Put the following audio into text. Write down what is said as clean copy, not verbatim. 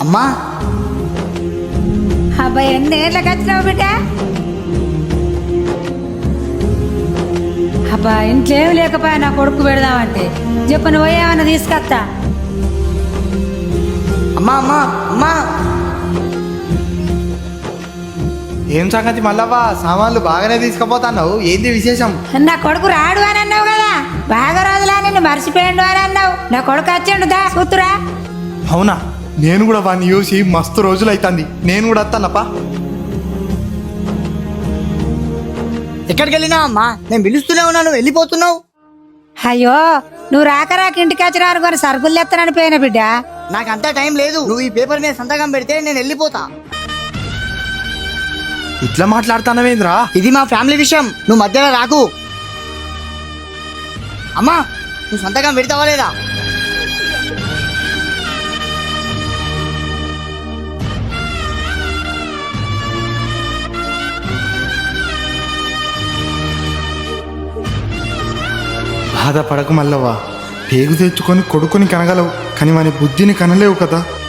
అమ్మా అబ్బాయి ఎన్నేళ్ళకి వచ్చినావు బిడ్డ? అబ్బా ఇంట్లో ఏమి లేకపోయా నా కొడుకు పెడదామంటే చెప్పు, నువ్వు ఏమన్నా తీసుకొస్తా. అమ్మా అమ్మా అమ్మా ఏం సంగతి మల్లవ్వ, సామాన్లు బాగానే తీసుకుపోతున్నావు, ఏంది విశేషం? నా కొడుకు రాడు అని అన్నావు కదా, బాగా రోజులా నిన్ను మర్చిపోయాడు అని అన్నావు. నా కొడుకు వచ్చిండు దా కూతురా. అవునా, నేను కూడా వాడిని చూసి మస్తు రోజులు అవుతుంది, నేను కూడా వస్తానప్పా. ఎక్కడికి వెళ్ళినావు అమ్మా? నేను పిలుస్తూనే ఉన్నాను, వెళ్ళిపోతున్నావు. అయ్యో నువ్వు రాక ఇంటికి వచ్చిన అనుకోని సరుకులు ఎత్తనని పోయిన బిడ్డ. నాకంతా టైం లేదు, నువ్వు ఈ పేపర్ మీద సంతకం పెడితే నేను వెళ్ళిపోతా. ఇట్లా మాట్లాడుతున్నావేంద్రా? ఇది మా ఫ్యామిలీ విషయం, నువ్వు మధ్యలో రాకు. అమ్మా నువ్వు సంతకం పెడతావా లేదా? బాధపడకు మల్లవ్వ, పేగు తెచ్చుకొని కొడుకుని కనగలవు, కానీ వాని బుద్ధిని కనలేవు కదా.